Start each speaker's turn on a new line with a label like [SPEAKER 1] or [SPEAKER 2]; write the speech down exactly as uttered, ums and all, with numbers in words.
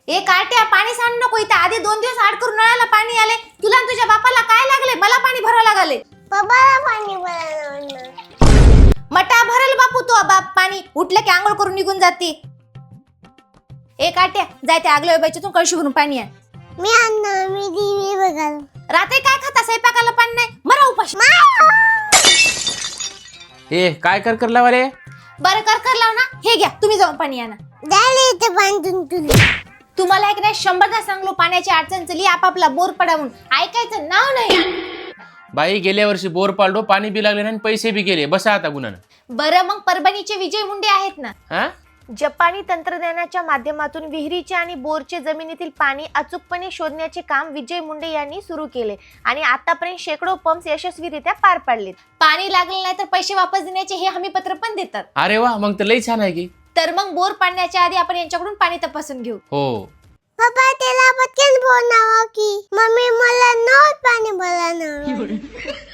[SPEAKER 1] ए कार्ट्या, पाणी सांड नको इथं. आधी दोन दिवस आड करून नळाला पाणी आले. तुला आणि तुझ्या बापाला काय लागले? मला पाणी भरावं लागले.
[SPEAKER 2] बाबाला पाणी भरायला
[SPEAKER 1] मटा भरल बापू तो बाप पाणी. उठलं की आंघोळ करून निघून जाते. ए कार्ट्या, जाय त्या आगल्या बाईच्यातून कळशी भरून पाणी आण.
[SPEAKER 2] मी आणणार. मी टीव्ही बघाल.
[SPEAKER 1] रात्री काय खाता? स्वयंपाकाला पाणी नाही. मरा उपाशी.
[SPEAKER 3] ए काय कर कर लावा रे.
[SPEAKER 1] बरं कर कर लाव ना. हे घ्या, तुम्ही जाऊन पाणी आणा.
[SPEAKER 2] द्यायला इथे बांधून तुला.
[SPEAKER 1] तुम्हाला एक नाही शंभरदा सांगलो पाण्याची अडचण चली आपापला बोर पडावून. ऐकायचं नाव नाही.
[SPEAKER 3] बाई गेल्या वर्षी बोर पाडलो, पाणी बी लागले आणि पैसे बी गेले. बसा आता गुन्हानं.
[SPEAKER 1] बरं मग परभणीचे विजय मुंडे आहेत ना.
[SPEAKER 3] हा
[SPEAKER 1] जपानी तंत्रज्ञानाच्या माध्यमातून विहिरीचे आणि बोरचे जमिनीतील पाणी अचूकपणे शोधण्याचे काम विजय मुंडे यांनी सुरू केले आणि आतापर्यंत शेकडो पंप्स यशस्वीरित्या पार पाडलेत. पाणी लागले नाही तर पैसे वापस देण्याचे हे हमीपत्र पण देतात.
[SPEAKER 3] अरे वा, मग तर लई छान आहे की.
[SPEAKER 1] तर मग बोर पाडण्याच्या आधी आपण यांच्याकडून पाणी तपासून घेऊ.
[SPEAKER 3] हो
[SPEAKER 2] पप्पा त्याला पटकन बोलावं की मम्मी मला नळ पाणी भरायला.